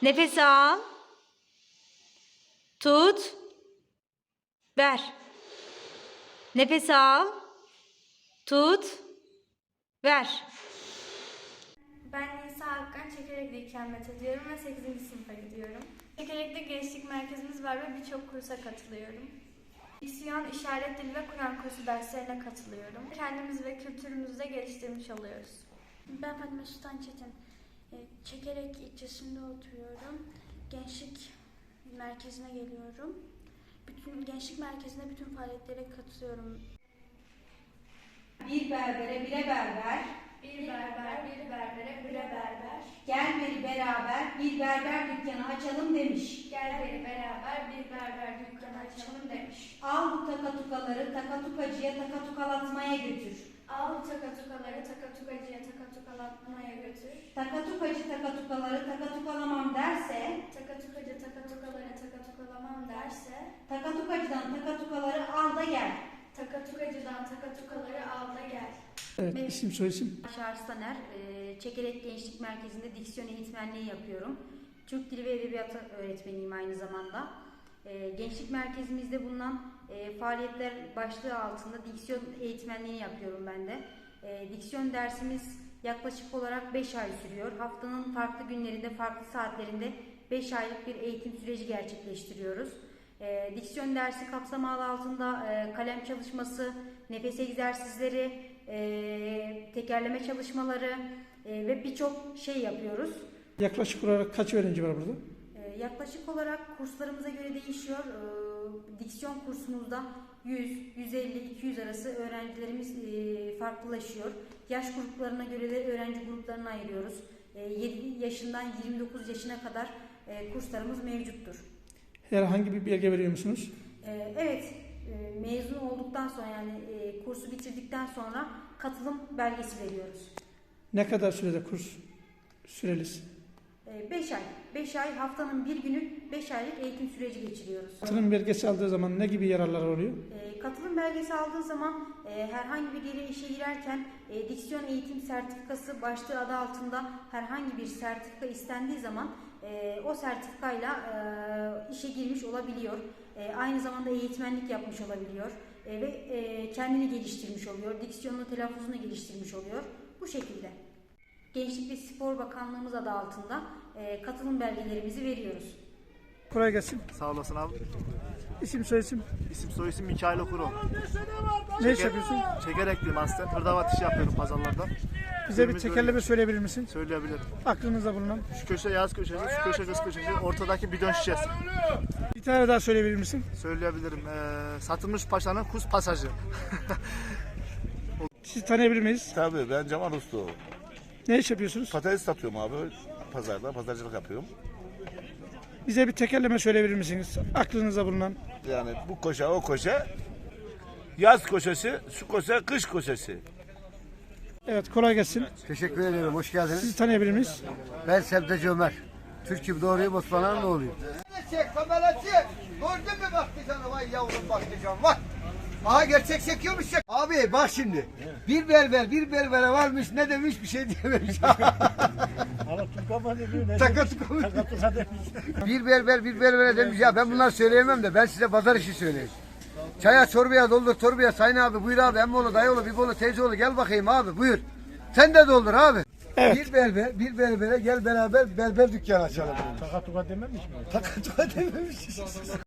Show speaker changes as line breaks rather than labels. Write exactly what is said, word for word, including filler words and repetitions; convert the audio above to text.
Nefes al. Tut. Ver. Nefes al. Tut. Ver.
Ben Nisa Akkan, Çekerek'te ikamet ediyorum ve sekizinci sınıfa gidiyorum. Çekerek'te gençlik merkezimiz var ve birçok kursa katılıyorum. Diksiyon, işaret dili ve Kur'an kursu derslerine katılıyorum. Kendimizi ve kültürümüzü de geliştirmiş oluyoruz.
Ben Fatma Sultan Çetin. E, Çekerek ilçesinde oturuyorum. Gençlik merkezine geliyorum. Bütün gençlik merkezinde bütün faaliyetlere katılıyorum.
Bir berbere bire berber,
Bir berber, bir berbere, bire berber.
gel beri beraber bir berber dükkanı açalım demiş.
Gel beri beraber bir berber dükkanı açalım demiş.
Al bu takatukaları takatukacıya takatukalatmaya götür.
Al bu takatukaları takatukacıya takatukalatmaya götür.
Takatukacı takatukaları takatukalamam derse,
Takatukacı takatukaları takatukalamam derse,
takatukacıdan takatukaları al da gel.
takatukacıdan takatukaları al da gel.
Evet, isim soyisim.
Arslan, Çekerek Gençlik Merkezi'nde diksiyon eğitmenliği yapıyorum. Türk Dili ve Edebiyatı öğretmeniyim aynı zamanda. E, Gençlik Merkezimizde bulunan e, faaliyetler başlığı altında diksiyon eğitmenliğini yapıyorum ben de. E, diksiyon dersimiz yaklaşık olarak beş ay sürüyor. Haftanın farklı günlerinde, farklı saatlerinde beş aylık bir eğitim süreci gerçekleştiriyoruz. E, diksiyon dersi kapsamı adı altında e, kalem çalışması, nefes egzersizleri, e, tekerleme çalışmaları e, ve birçok şey yapıyoruz.
Yaklaşık olarak kaç öğrenci var burada?
E, yaklaşık olarak kurslarımıza göre değişiyor. E, diksiyon kursumuzda yüz, yüz elli, iki yüz arası öğrencilerimiz e, farklılaşıyor. Yaş gruplarına göre de öğrenci gruplarına ayırıyoruz. E, yedi yaşından yirmi dokuz yaşına kadar e, kurslarımız mevcuttur.
Herhangi bir belge veriyor musunuz?
E, evet, e, mezun olduktan sonra yani e, kursu bitirdikten sonra katılım belgesi veriyoruz.
Ne kadar sürede kurs süreliz?
beş ay. beş ay haftanın bir günü beş aylık eğitim süreci geçiriyoruz.
Katılım belgesi aldığı zaman ne gibi yararlar oluyor?
E, katılım belgesi aldığı zaman e, herhangi bir yere işe girerken e, diksiyon eğitim sertifikası başlığı adı altında herhangi bir sertifika istendiği zaman e, o sertifikayla e, işe girmiş olabiliyor. E, aynı zamanda eğitmenlik yapmış olabiliyor e, ve e, kendini geliştirmiş oluyor. Diksiyonunu, telaffuzunu geliştirmiş oluyor. Bu şekilde. Gençlik ve Spor Bakanlığımız adı altında e, katılım belgelerimizi veriyoruz.
Kolay gelsin.
Sağ olasın abi.
İsim soyisim.
İsim soyisim Mikail Okuru.
Ne iş yapıyorsun?
Çekerekliyim aslen. Hırdavat işi yapıyorum pazarlarda.
Bize bir
Günümüz
tekerleme
böyle.
söyleyebilir misin?
Söyleyebilirim.
Aklınızda bulunan.
Şu köşe yaz köşesi, şu köşe kız köşesi, ortadaki bidon şişesi.
Bir tane daha söyleyebilir misin?
Söyleyebilirim. Ee, Satılmış Paşa'nın Kuz Pasajı.
Sizi tanıyabilir miyiz?
Tabii ben Cemal Usta.
Ne iş yapıyorsunuz?
Patates satıyorum abi pazarda. Pazarcılık yapıyorum.
Bize bir tekerleme söyleyebilir misiniz? Aklınızda bulunan.
Yani bu koşa o koşa. Yaz koşası, şu koşa kış koşası.
Evet, kolay gelsin.
Teşekkür ederim, hoş geldiniz.
Sizi tanıyabilir miyiz?
Ben Sebzeci Ömer. Türk'üm doğruyum, Osmanlı'nın oğluyum.
Çek, kamera çek. Gördün mü baktıcanı, vay yavrum baktıcan, vay. Aha gerçek çekiyormuş çek. Abi bak şimdi, bir berber bir berbere varmış, ne demiş bir şey diyememiş. Takatuka mı? Bir berber bir berbere demiş, ya ben bunları söyleyemem de ben size pazar işi söyleyeyim. Çaya çorbaya doldur torbaya sayın abi, buyur abi, emmoğlu dayıoğlu biboğlu teyzeoğlu gel bakayım abi, buyur. Sen de doldur abi.
Evet.
Bir berber, bir berbere gel beraber berber dükkanı açalım. Takatuka dememiş mi? Takatuka dememiş.